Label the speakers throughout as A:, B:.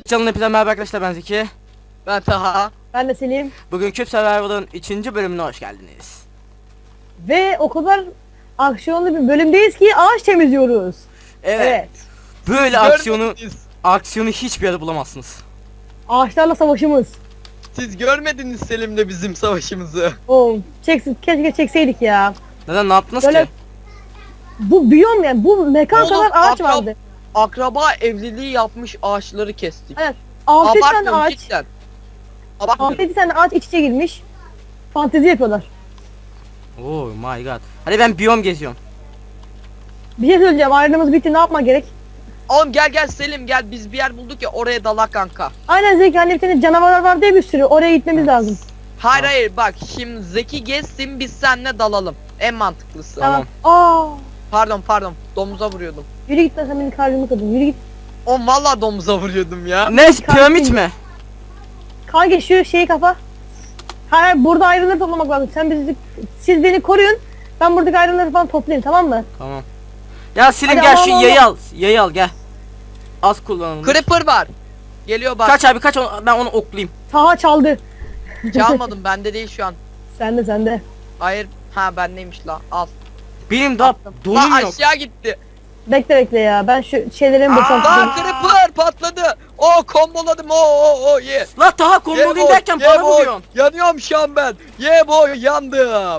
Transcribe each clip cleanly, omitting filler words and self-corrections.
A: Canım hepinize merhaba arkadaşlar, ben Zeki.
B: Ben Taha.
C: Ben de Selim.
A: Bugün Küp Survival'ın 3. bölümüne hoş geldiniz.
C: Ve o kadar aksiyonlu bir bölümdeyiz ki ağaç temizliyoruz.
A: Evet. Böyle aksiyonu hiçbir yerde bulamazsınız.
C: Ağaçlarla savaşımız.
B: Siz görmediniz Selim'le bizim savaşımızı.
C: Oo, keşke çekseydik ya.
A: Neden, ne yaptınız
C: Böyle
A: ki?
C: bu biyom yani bu mekan
B: Oğlum,
C: kadar ağaç vardı.
B: Akraba evliliği yapmış ağaçları kestik.
C: Evet. 6 tane
B: Abartmıyorum
C: ağaç.
B: cidden.
C: 6
B: Abartmıyorum.
C: tane ağaç iç içe girmiş. Fantezi yapıyorlar.
A: Oh my god. Hadi ben biyom geziyorum.
C: Bir şey söyleyeceğim. Ayrılığımız bitti. Ne yapmak gerek?
B: Oğlum gel Selim gel, biz bir yer bulduk ya, oraya dalak kanka.
C: Aynen Zeki. Hani bir tane canavarlar var diye bir sürü. Oraya gitmemiz lazım.
B: Hayır bak, şimdi Zeki gezsin, biz seninle dalalım. En mantıklısı.
A: Tamam.
C: Aa,
B: Pardon, domuza vuruyordum.
C: yürü git lan, sen benim kalbimi kırdın. Yürü git.
B: Oğlum valla domuza vuruyordum ya.
A: Ne, piramit mi?
C: Kanka şu şeyi kapa. Hayır, burada ayrıları toplamak lazım. Siz beni koruyun. Ben buradaki ayrıları falan toplayayım, tamam mı?
A: Tamam. Ya Selim
C: Hadi
A: gel,
C: al,
A: şu
C: al,
A: yayı al. Yayı al gel. Az kullanılmış.
B: Creeper var. Geliyor bak.
A: Kaç abi kaç, ben onu oklayayım.
C: Taha çaldı.
B: Çalmadım, bende değil şu an.
C: Sende.
B: Hayır. Ha, bendeymiş la. Al.
A: Benim daha donum
B: La
A: yok.
B: aşağı gitti.
C: Bekle ya. Ben şu şeylerimi boşaltayım.
B: Lan Creeper patladı. Komboladım. Ye.
A: La Taha kombolayım derken bana vuruyorsun.
B: Yanıyorum şu an ben. Yandım.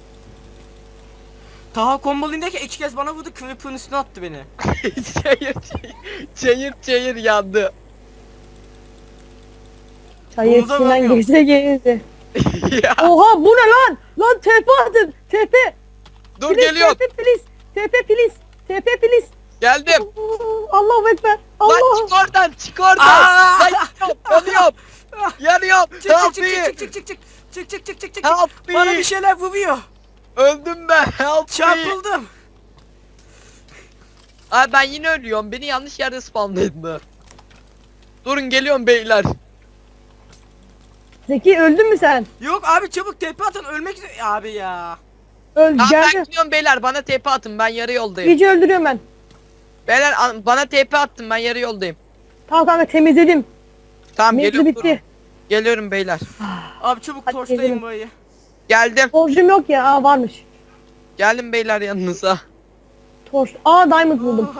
A: Taha kombolayım derken 2 kez bana vurdu, Creeper'ın üstüne attı beni.
B: Çayır yandı.
C: Çayır
A: Domuza
C: içinden
A: bakıyorum.
C: geçse gelirdi.
B: Ya,
C: Oha, bu ne lan? Lan TP atın. TP.
B: dur geliyorum.
C: TP please. TP please. TP please.
B: Geldim.
C: Allahu ekber.
B: Lan
C: Allah.
B: çık oradan.
A: Aa!
B: Lan yanıyorum.
A: Çık
B: Help
A: çık
B: me.
A: çık.
B: Help
A: Bana
B: me.
A: bir şeyler vuruyor.
B: Öldüm ben. Help me.
A: Çarpıldım.
B: Ay ben yine ölüyorum. Beni yanlış yerde spawnladı. Durun geliyorum beyler.
C: Zeki, öldün mü sen?
A: Yok abi, çabuk tepe atın, ölmek üzere abi ya.
C: Öl
B: Tamam, ben
C: geldi.
B: gidiyorum beyler, bana TP atın, ben yarı yoldayım.
C: İyice öldürüyorum ben.
B: Beyler bana TP attın, ben yarı yoldayım.
C: Tamam kanka, temizledim.
B: Tamam
C: Mevzu
B: geliyorum.
C: bitti.
B: Geliyorum beyler.
A: Abi çabuk
C: Hadi
A: torçlayın
C: gezelim.
A: burayı.
B: Geldim.
C: Torcum yok ya. Aa, varmış.
B: Geldim beyler yanınıza.
C: Torç. Aa, diamond buldum.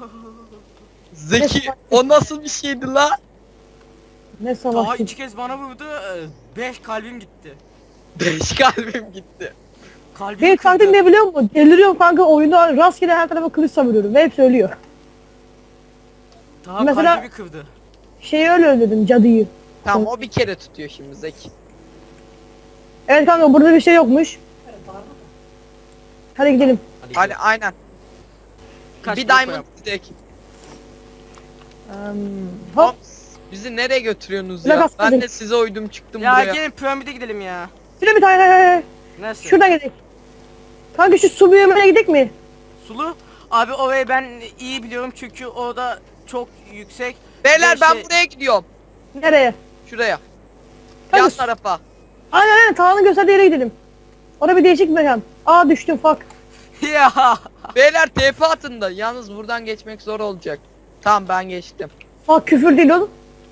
B: Zeki, o nasıl bir şeydi la?
C: Ne
A: Taha
C: savaşçı.
A: 2 kez bana vurdu, 5 kalbim gitti.
B: 5 kalbim gitti.
A: Kalbim
C: Benim
A: kırdı.
C: taktiğim ne biliyor musun? Deliriyorum kanka, oyunda rastgele her tarafa kılıç savuruyorum ve hepsi ölüyor.
A: Taha
C: Mesela-
A: kalbimi kırdı.
C: Şeyi öyle öldürdüm, cadıyı.
B: Tamam, o bir kere tutuyor şimdi Zeki.
C: Evet kanka, burada bir şey yokmuş. Hadi gidelim.
B: Hadi aynen.
A: Kaç
B: Bir
A: blok
B: diamond
A: yap?
B: Zeki.
C: Hop.
B: Bizi nereye götürüyorsunuz
C: Biraz
B: ya?
C: atladım.
B: Ben de size uydum çıktım
A: Ya
B: buraya.
A: gelin piramide gidelim ya.
C: Şuraya bir tane, hayır.
A: Nasıl?
C: Şuradan gidelim. Kanka şu su büyümene gidelim mi?
A: Sulu. Abi orayı ben iyi biliyorum çünkü orada çok yüksek.
B: Beyler
A: Ve
B: ben
A: şey-
B: buraya gidiyorum.
C: Nereye?
B: Şuraya.
C: Hadi.
B: Yan tarafa.
C: Aynen, Tağ'ın gösterdiği yere gidelim. Orada bir değişik bir mekan. Aa, düştüm, fuck.
A: Ya.
B: Beyler TP atın da, yalnız buradan geçmek zor olacak. Tamam, ben geçtim.
C: Fuck, küfür değil oğlum.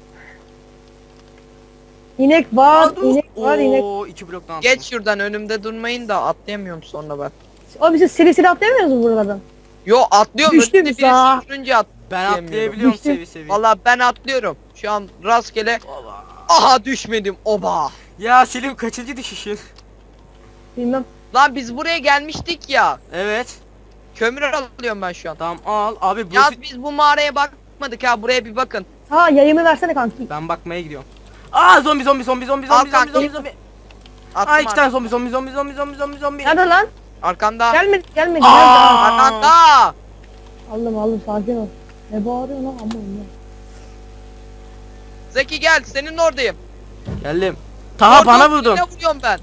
C: İnek var, inek.
A: Oo, 2 bloktan.
B: Geç şuradan, önümde durmayın da atlayamıyorum sonra ben.
C: Abi biz seri atlayamıyoruz mu buralardan?
B: Yo, atlıyorum.
C: Düştüm
B: Önümde
C: sağa.
B: birisi sürünce
A: Ben
B: atlayamıyorum.
A: atlayabiliyorum
C: Düştüm.
A: sevi sevi.
B: Valla ben atlıyorum. Şu an rastgele.
A: Oba.
B: Aha, düşmedim. Oba.
A: Ya Selim, kaçıncı düşüşün?
C: Bilmem.
B: Lan biz buraya gelmiştik ya.
A: Evet.
B: Kömür alıyorum ben şu an.
A: Tamam al abi,
B: Ya
A: burası...
B: biz bu mağaraya bakmadık ha, buraya bir bakın.
C: Ha, yayımı versene kanki.
A: Ben bakmaya gidiyorum. Aa, zombi.
B: Al kanka.
A: Aa,
B: Attım
A: 2 tane zombi.
C: Nerede lan?
B: Arkanda.
C: Gelmedi.
A: Aa!
C: Nerede?
B: Arkanda.
C: Aldım, sakin ol. Ne bağırıyor lan, aman ya.
B: Zeki gel, senin oradayım.
A: Geldim. Taha bana vurdun.
B: Ne vuruyorum ben?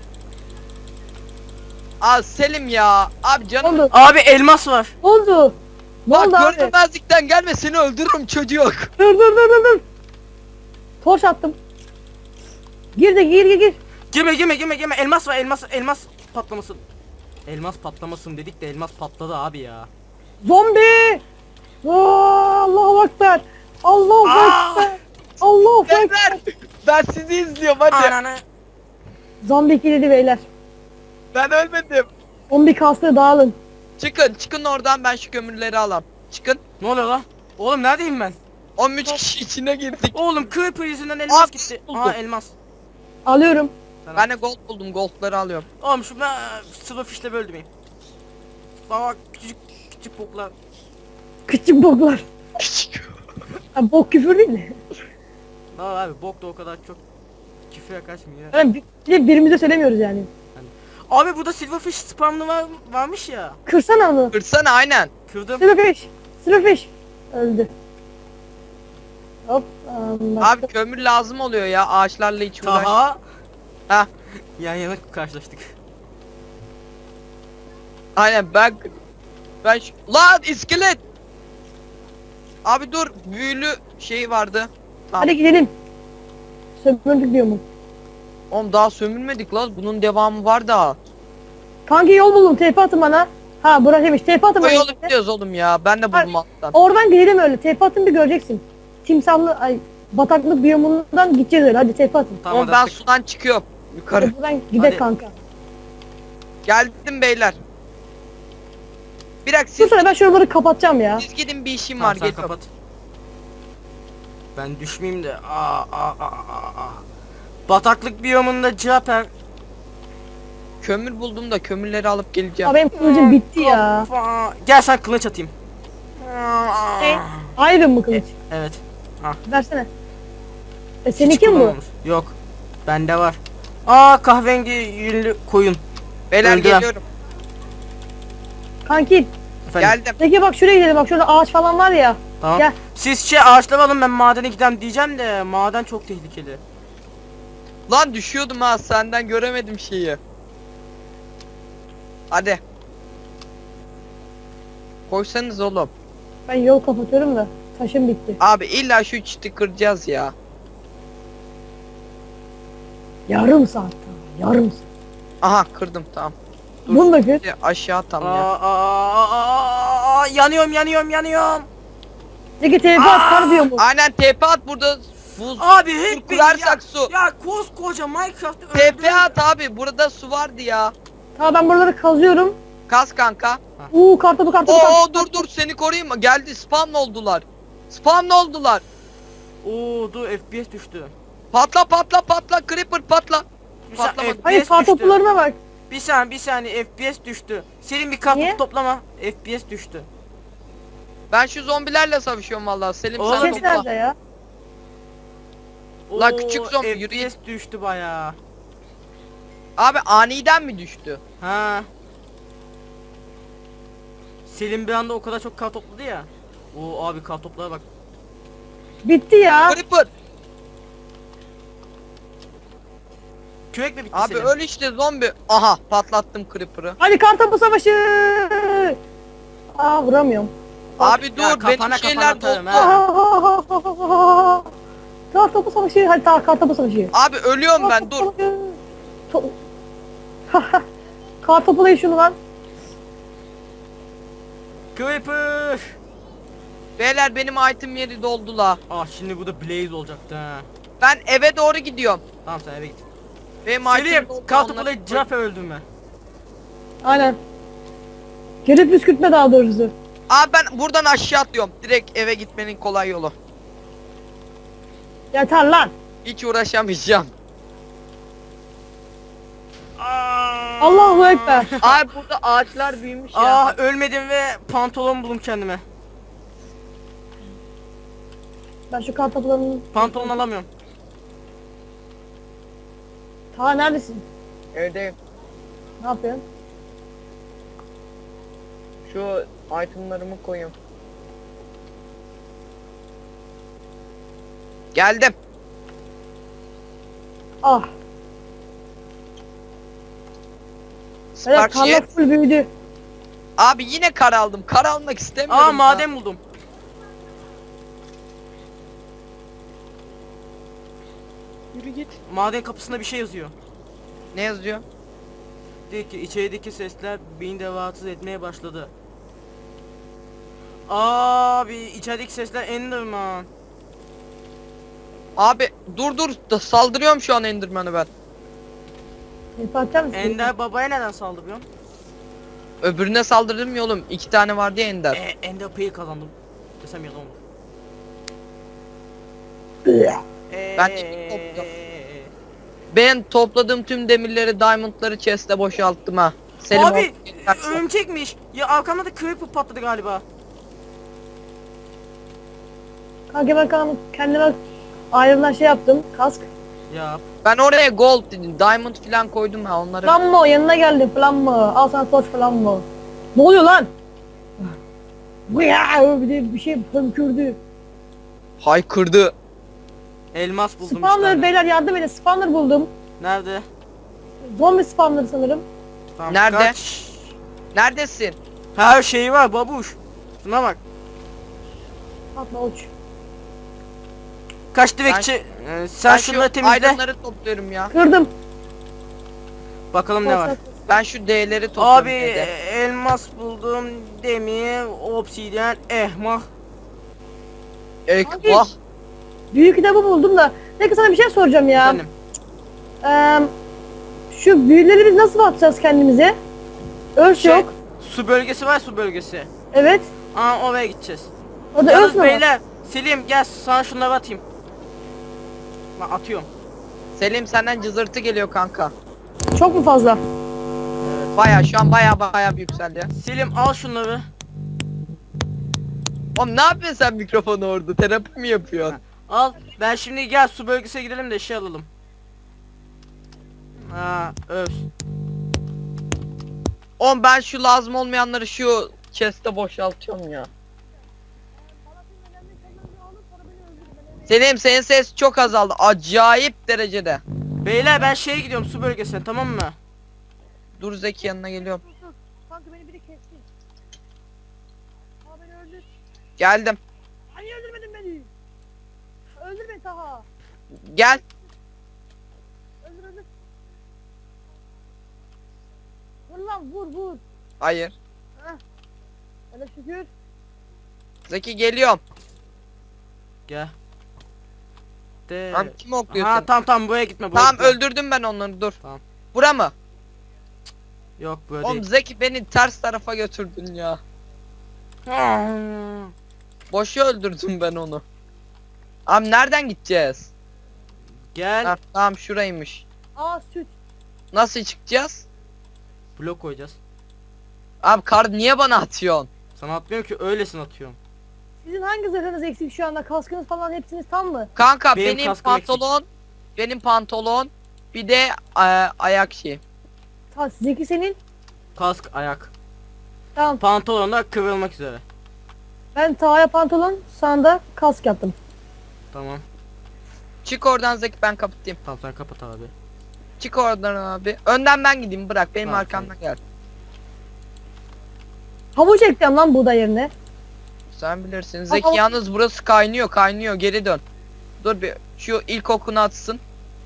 B: Aa, Selim ya. Abi
C: Ne
B: canım.
C: oldu?
A: Abi elmas var.
C: Ne oldu? Ne oldu
B: Bak,
C: abi?
B: görünmezlikten gelme, seni öldürürüm çocuk.
C: Dur. Torç attım. Gir.
A: Girme. Elmas var, elmas patlamasın. Elmas patlamasın dedik de elmas patladı abi ya.
C: Zombi! Aa, Allahu Ekber! Allahu
A: Aa!
C: Ekber! Allah fuck.
B: Beyler ben sizi izliyorum hadi.
A: Ananı.
C: Zombi kilidi beyler.
B: Ben ölmedim.
C: Zombi kastı dağılın.
B: Çıkın oradan, ben şu kömürleri alam. Çıkın.
A: Ne oluyor lan? Oğlum neredeyim ben?
B: 13 kişi içine girdik.
A: Oğlum Creeper yüzünden elmas
B: Aa,
A: gitti.
B: buldum.
A: Aa elmas.
C: Alıyorum.
B: Ben de gold buldum, goldları alıyorum.
A: Oğlum şu ben Silverfish'le böldüm miyim? Bak küçük küçük boklar.
C: Küçük boklar. Ha, bok küfür değil mi?
A: Aa abi bok da o kadar çok küfüre kaçmıyor.
C: Yani bir de birimize söylemiyoruz yani.
A: Abi burada Silverfish spamlı varmış ya.
C: Kırsana onu.
B: Kırsana aynen.
A: Kırdım.
C: Silverfish. Silverfish. Öldü. Hop.
B: Abi kömür lazım oluyor ya, ağaçlarla hiç uğraş.
A: Taha.
B: Ha.
A: Yan yana karşılaştık.
B: Aynen ben lan iskelet. Abi dur, büyülü şey vardı. Tamam.
C: Hadi gidelim. Sömürdük diyor mu?
B: Oğlum daha sömürmedik lan, bunun devamı var daha.
C: Kanki yol buldum. TP atın bana. Ha burası demiş. TP atın
B: O
C: bana.
B: yolu biliyoruz oğlum ya, ben de buldum alttan.
C: Oradan gidelim öyle. TP atın bir göreceksin. Timsahlı ay bataklık biyomundan gideceğiz öyle. Hadi TP atın.
A: Tamam
B: Oğlum ben sudan çıkıyorum yukarı.
C: Hadi buradan gidek
A: Hadi.
C: kanka.
B: Geldim beyler. Bir dakika
C: Şu sıra ben şuraları kapatacağım ya.
B: siz gidin, bir işim
A: Tamam,
B: var,
A: sen
B: geliyorum.
A: kapat. Ben düşmeyeyim de. Aa. Bataklık biyomunda Caper.
B: Kömür buldum da kömürleri alıp geleceğim.
C: Abi benim kılıcım bitti ya.
A: Gel sen kılıç atayım.
C: Iron mı kılıç?
A: Evet.
C: Versene.
A: Hiç
C: Seninki mi bu?
A: kullanmamış. Yok. Bende var. Aa kahverengi yünlü koyun.
B: Beyler
A: öldüler.
B: geliyorum.
C: Kanki.
A: Efendim.
B: Geldim.
C: Peki bak şuraya gidelim. Bak şurada ağaç falan var ya.
A: Tamam.
C: Gel.
A: Siz ağaçları alın, ben madene gidem diyeceğim de maden çok tehlikeli.
B: Lan düşüyordum ha, senden göremedim şeyi. Hadi. Koysanız oğlum.
C: Ben yol kapatıyorum da. Taşım bitti.
B: Abi illa şu çiti kıracağız ya.
C: Yarım saat daha. Yarım saat.
B: Aha kırdım, tamam. Dur.
C: Bunu da kır.
B: Aşağı tam ya.
A: Yanıyorum.
C: Peki TP at kar diyor mu?
B: Aynen TP at, burada buz.
A: Abi hep beni
B: kurarsak su.
A: Ya koskoca Minecraft'ı
B: TP at abi, burada su vardı ya.
C: Tamam ben buraları kazıyorum.
B: Kaz kanka.
C: Kartopu.
B: Oo dur seni koruyayım mı? Geldi, spawn oldular. Spawn oldular.
A: Oo dur FPS düştü.
B: Patla creeper patla.
A: Bir saniye,
B: Patlamadı.
C: Hayır
A: FPS düştü.
C: kartopularına bak.
A: Bir saniye FPS düştü. Senin bir kartopu
C: Niye?
A: toplama. FPS düştü.
B: Ben şu zombilerle savaşıyorum vallahi. Selim
A: Oğlum,
B: sen
C: Ses
B: topla.
C: nerede ya?
B: Lan küçük zombi,
A: FPS
B: yürü git.
A: düştü bayağı.
B: Abi aniden mi düştü?
A: Ha. Selim bir anda o kadar çok kar topladı ya. Oo abi kar toplara bak.
C: Bitti ya.
B: Creeper.
A: Kürek mi bitti
B: Abi
A: Selim?
B: öl işte zombi. Aha patlattım creeper'ı.
C: Hadi kartopu savaşı. Vuramıyorum.
B: Abi
A: Ya,
B: dur benim
A: kafana
B: şeyler
A: atarım
B: doldu.
A: ha.
C: Kartopu savaşı. Hadi kartopu savaşı.
B: Abi ölüyorum ben, dur.
C: Kartopulayın şunu lan.
A: Creeper.
B: Beyler benim item yeri doldu la.
A: Ah şimdi bu da Blaze olacaktı ha.
B: Ben eve doğru gidiyorum.
A: Tamam sen eve git.
B: Benim item
A: Selim
B: doldu.
A: kartopulayı
B: onları-
A: Cafer öldüm ben.
C: Aynen. Gelip püskürtme daha doğrusu.
B: Abi ben buradan aşağı atlıyorum. Direkt eve gitmenin kolay yolu.
C: Yeter lan.
B: Hiç uğraşamayacağım.
C: Allahu Ekber.
B: Abi burada ağaçlar büyümüş ya.
A: Ah ölmedim ve pantolon buldum kendime.
C: Ben şu kartopularını...
A: Pantolon alamıyorum.
C: Ta neredesin?
B: Evdeyim.
C: Ne yapıyorsun?
B: Şu itemlarımı koyayım. Geldim.
C: Ah. Evet
B: Spark
C: tarla
B: shit.
C: full büyüdü.
B: Abi yine kar aldım. Kar almak istemiyorum.
A: Aa
B: ya.
A: maden buldum.
B: Yürü git.
A: Maden kapısında bir şey yazıyor.
B: Ne yazıyor?
A: Diyor ki içerideki sesler beni de rahatsız etmeye başladı. Abi içerideki sesler Enderman.
B: Abi dur saldırıyorum şu an Enderman'ı ben.
C: Patlar mısın?
A: Ender babaya neden saldırıyorsun?
B: Öbürüne saldırdım ya oğlum. 2 tane vardı ya Ender.
A: Ender payı kazandım. Desem yalan olur.
B: Ben çekip topluyorum. Ben topladığım tüm demirleri, diamondları chest'e boşalttım ha. Selim
A: Abi
B: o-
A: örümcekmiş. Ya arkamda da creeper patladı galiba.
C: Kanka ben kendime ayrılan şey yaptım. Kask.
A: Ya
B: Ben oraya gold, diamond falan koydum ha onları.
C: Flammo yanına geldi Flammo. Al sana torç Flammo. Ne oluyor lan? Bir de bir şey hönkürdü.
B: Haykırdı.
A: elmas buldum
C: Spawner
A: işte.
C: beyler yardım edin. Spawner buldum.
A: Nerede?
C: Zombi spawner sanırım.
A: Tamam,
B: Nerede?
A: kaç.
B: Neredesin?
A: Her şeyi var babuş. Şuna bak.
C: Atma uç.
A: Kaç direkçi. Sen
B: Ben
A: şunları
B: şu
A: temizle.
B: ironları topluyorum ya.
C: Kırdım.
A: Bakalım ne var.
B: Ben şu D'leri topluyorum.
A: Abi
B: D'de.
A: elmas buldum. Demir, obsidyen, ehmah.
B: Ekvah.
C: Büyük kitabı buldum da. Peki sana bir şey soracağım ya.
A: Efendim.
C: Şu büyüleri biz nasıl atacağız kendimize? Örs
A: Şey,
C: yok.
A: su bölgesi var, su bölgesi.
C: Evet.
A: Aa oraya gideceğiz.
C: O da örs
A: Yalnız
C: mü var?
A: beyler, Selim gel sana şunları atayım. Lan atıyorum.
B: Selim senden cızırtı geliyor kanka.
C: Çok mu fazla?
B: Baya şu an baya bir yükseldi ya.
A: Selim al şunları.
B: Oğlum ne yapıyorsun sen mikrofonu orada? Terapi mi yapıyorsun?
A: Al. Ben şimdi gel su bölgesine gidelim de şey alalım. Ha, öf.
B: Oğlum ben şu lazım olmayanları şu chest'e boşaltıyorum ya. Senin ses çok azaldı. Acayip derecede.
A: Beyler ben şeye gidiyorum su bölgesine, tamam mı?
B: Dur Zeki yanına geliyorum.
C: Kanka beni biri kesti. Aa beni öldür.
B: Geldim.
C: Ay öldürmedin beni. Öldür beni Taha.
B: Gel.
C: Öldür. Vur lan vur.
B: Hayır.
C: Hele şükür.
B: Zeki geliyorum.
A: Gel. De.
B: Lan kim okluyor
A: Ha
B: seni?
A: tamam buraya gitme. Buraya
B: Tamam
A: gitme.
B: öldürdüm ben onları dur.
A: Tamam.
B: Bura mı?
A: Yok böyle
B: Oğlum
A: değil.
B: Zeki beni ters tarafa götürdün ya. Boşu öldürdüm ben onu. Abi nereden gideceğiz?
A: Gel.
B: Ha, tamam şuraymış.
C: Aa süt.
B: Nasıl çıkacağız?
A: Blok koyacağız.
B: Abi kar niye bana atıyorsun?
A: Sana atmıyorum ki, öylesin atıyorum.
C: Sizin hangi zırhınız eksik şu anda? Kaskınız falan hepsiniz tam mı?
B: Kanka
A: Benim
B: benim
A: kaskım
B: pantolon, benim pantolon, bir de ayak şeyi.
C: Zeki senin.
A: Kask, ayak.
C: Tamam.
A: Pantolon da kıvrılmak üzere.
C: Ben Taha'ya pantolon, sana da kask yaptım.
A: Tamam.
B: Çık oradan Zeki ben kapatayım.
A: Tamam sen kapat abi.
B: Çık oradan abi. Önden ben gideyim bırak benim
A: Tamam,
B: arkamdan gel.
C: Havuç ekeceğim lan buğday yerine.
B: Sen bilirsin. Zeki
C: Ama-
B: yalnız burası kaynıyor geri dön. Dur bir şu ilk okunu atsın.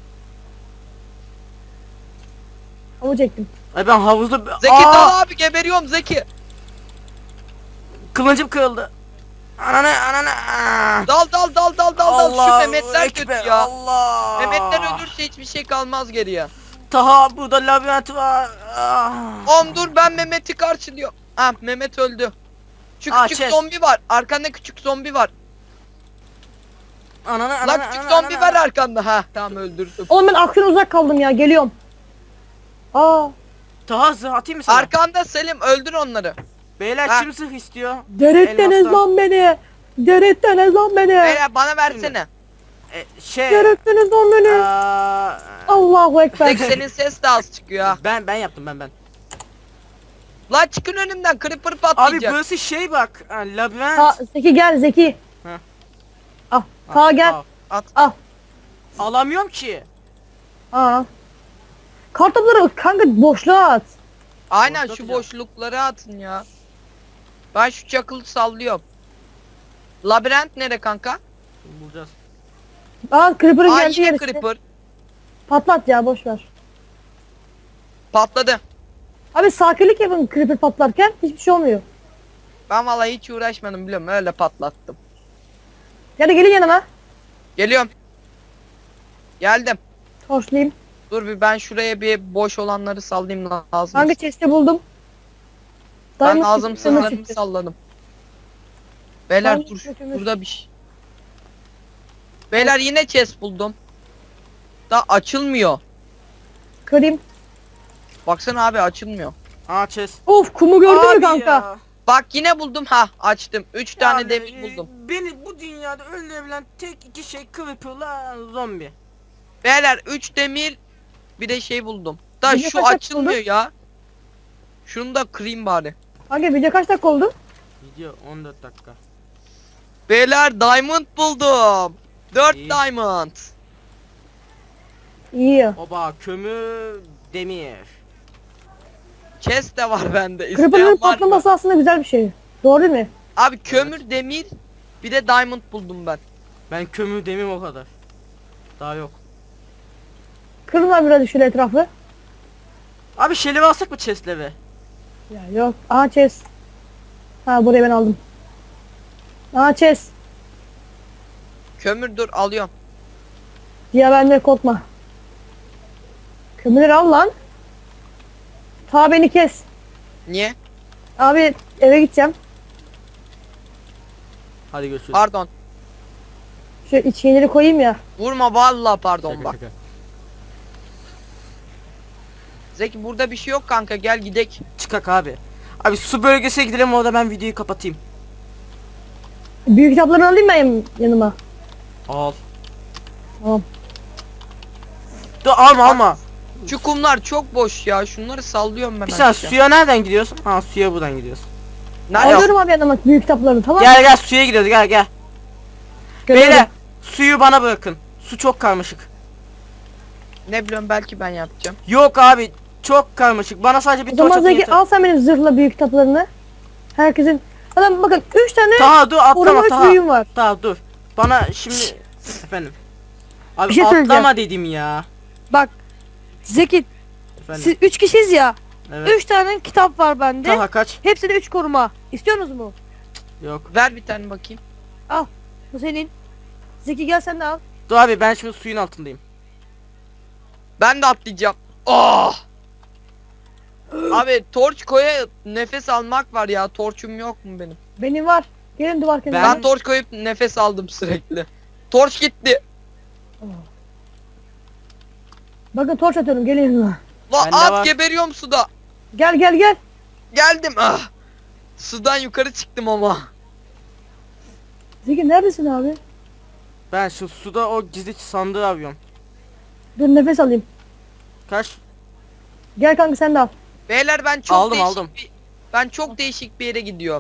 C: Havuç ektim.
A: Ay ben havuzda...
B: Zeki
A: Aa!
B: dal abi geberiyorum Zeki.
A: Kılıncım kırıldı. Ananı. Aa!
B: Dal şu Mehmetler
A: Ekber,
B: kötü ya.
A: Allah.
B: Mehmetler ölürse hiçbir şey kalmaz geriye.
A: Taha burada labirent var. Ah.
B: Oğlum dur ben Mehmet'i karşılıyorum. Ha Mehmet öldü. Şu
A: Aa,
B: küçük
A: chest.
B: zombi var. Arkanda küçük zombi var.
A: Ananı.
B: Lan küçük zombi var arkanda. Ha tamam öldürdüm.
C: Oğlum ben aksiyon uzak kaldım ya geliyorum. Aa.
A: Taha zırh atayım mı sana?
B: Arkanda Selim öldür onları.
A: Beyler
B: Ha.
A: kim zırh istiyor?
C: Deretten ez
A: Elmastan.
C: lan beni. Deretten ez lan beni.
B: Beyler bana versene.
C: Deretten ez lan beni.
A: Aa,
C: Allahu ekber.
B: Zeki senin ses de az çıkıyor ha.
A: ben yaptım ben.
B: Lan çıkın önümden creeper
A: Abi
B: patlayacak.
A: burası şey bak. Ha, labirent.
C: Zeki gel Zeki.
A: Heh.
C: Al. Taha gel.
A: Al.
C: Al.
A: Alamıyorum ki.
C: Aa. Kartopları kanka boşluğa at.
B: Aynen
A: Boşluk
B: şu
A: atacağım.
B: boşlukları atın ya. Ben şu çakılı sallıyorum. Labirent nere kanka?
A: Bulacağız.
C: Aa Creeper'ın
B: Aa
C: geldiği
B: yine
C: yer işte.
B: creeper.
C: Patlat ya boş ver.
B: Patladı.
C: Abi sakinlik yapın Creeper patlarken hiçbir şey olmuyor.
B: Ben vallahi hiç uğraşmadım biliyorum öyle patlattım.
C: Ya da gelin yanıma.
B: Geliyorum. Geldim.
C: Torçlayayım.
B: Dur bir ben şuraya bir boş olanları sallayayım lazım.
C: Kanka chest'i buldum.
B: Ben
C: Diamond
B: lazım
C: çıktı, demir
B: sınırlarımı
C: çıktı.
B: salladım. Beyler
C: Diamond
B: dur.
C: çıktı, demir.
B: Burada bir şey. Beyler yine chest buldum. Da açılmıyor.
C: Kırayım.
B: Baksana abi açılmıyor.
A: Aa chest.
C: Of kumu gördün mü
A: Abi
C: kanka?
A: ya.
B: Bak yine buldum ha açtım. 3 tane
A: Yani,
B: demir buldum.
A: Beni bu dünyada öldürebilen tek iki şey Creeper'la zombi.
B: Beyler 3 demir bir de şey buldum. Da
C: Bir de
B: şu
C: kaç
B: açılmıyor
C: buldun?
B: ya. Şunu da kırayım bari.
C: Kanka video kaç dakika oldu?
A: Video 14 dakika.
B: Beyler diamond buldum. 4
A: İyi.
B: diamond.
C: İyi ya.
A: Oba kömür demir.
B: Chest de var bende.
C: Creeper'ın
B: İsteyen var mı?
C: patlaması aslında güzel bir şey. Doğru değil mi?
B: Abi kömür demir bir de diamond buldum ben.
A: Ben kömür demir o kadar. Daha yok.
C: Kırın lan biraz şöyle etrafı.
A: Abi şelevi alsak mı chest'leve?
C: Ya yok. Aha chest. Ha burayı ben aldım. Aha chest.
B: Kömür dur alıyorum.
C: Diye bende korkma. Kömürleri al lan. Ta beni kes.
B: Niye?
C: Abi eve gideceğim.
A: Hadi görüşürüz.
B: Pardon.
C: Şu iç şeyleri koyayım ya.
B: Vurma vallahi pardon
A: Şaka,
B: bak.
A: şaka.
B: Zeki burada bir şey yok kanka gel gidek.
A: Çıkak abi. Abi su bölgesine gidelim, orada ben videoyu kapatayım.
C: Büyük kitaplarını alayım ben yanıma.
A: Al.
C: Tamam.
A: Dur alma.
B: Şu kumlar çok boş ya şunları sallıyorum ben
A: Bir saniye,
B: aşağı.
A: suya nereden gidiyorsun? Ha suya buradan gidiyorsun.
B: Nerede?
C: Alıyorum abi yanıma büyük kitaplarını tamam.
A: Gel suya gidiyoruz, gel.
C: Geliyorum.
A: Beyler suyu bana bırakın. Su çok karmaşık.
B: Ne biliyorum belki ben yapacağım.
A: Yok abi çok karmaşık. Bana sadece bir
C: O
A: torç
C: zaman
A: atın
C: Zeki
A: yeter.
C: al sen benim zırhla büyük kitaplarını. Herkesin. Adam bakın 3 tane
A: Taha dur atlama
C: koruma 3
A: Taha.
C: büyüğüm var.
A: Taha dur. Bana şimdi efendim. Abi
C: Bir şey söyleyeceğim.
A: atlama dedim ya.
D: Bak Zeki
A: Efendim.
D: siz 3 kişiyiz ya.
A: Evet.
D: 3 tane kitap var bende.
A: Taha kaç?
D: Hepsi de 3 koruma. İstiyorsunuz mu?
A: Yok.
B: Ver bir tane bakayım.
D: Bu senin.
C: Zeki gel sen de al.
A: Dur abi ben şimdi suyun altındayım.
B: Ben de atlayacağım. Oh! Abi torç koya nefes almak var ya. Torçum yok mu benim?
C: Benim var. Gelin duvar kenarına.
B: Ben torç koyup nefes aldım sürekli. Torç gitti.
C: Bakın torç atıyorum gelin yanıma.
B: La
A: Bende
B: at
A: var.
B: geberiyorum suda.
C: Gel.
B: Geldim. Ah. Sudan yukarı çıktım ama.
C: Zeki neredesin abi?
A: Ben şu suda o gizli sandığı arıyorum.
C: Dur nefes alayım.
A: Kaç?
C: Gel kanka sen de al.
B: Beyler ben çok
A: Aldım,
B: değişik
A: aldım.
B: ben çok değişik bir yere gidiyorum.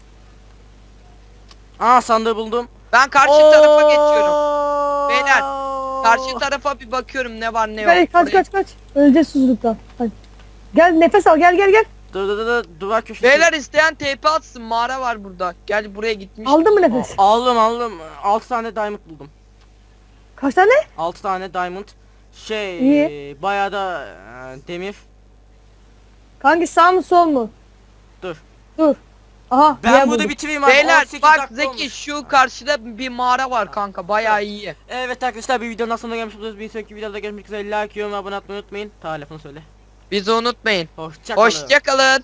A: Aa sandığı buldum.
B: Ben karşı tarafa geçiyorum.
A: Oo!
B: Beyler, Karşı tarafa bir bakıyorum ne var ne yok.
C: Kaç. Öleceğiz susuzluktan. Hadi. Gel nefes al gel.
A: Dur duvar köşesi.
B: Beyler isteyen TP atsın, mağara var burada. Gel buraya gitmiş.
C: Aldın mı nefes?
A: Aldım. 6 tane diamond buldum.
C: Kaç tane?
A: 6 tane diamond. Şey
C: İyi.
A: bayağı da demir.
C: Kanki sağ mı sol mu?
A: Dur.
C: Aha.
A: Ben
C: diğer
A: burada
C: buldum.
A: bitireyim abi.
B: Beyler
A: 18
B: bak
A: dakika
B: Zeki
A: olmuş.
B: şu karşıda bir mağara var kanka, bayağı iyi.
A: Evet arkadaşlar, bir videonun sonuna gelmiş bulunuyoruz. Bir sonraki videoda görüşmek üzere. Like, yorum, abone olmayı unutmayın. Telefonu söyle.
B: Bizi unutmayın.
A: Hoşça kalın.
B: Hoşça kalın.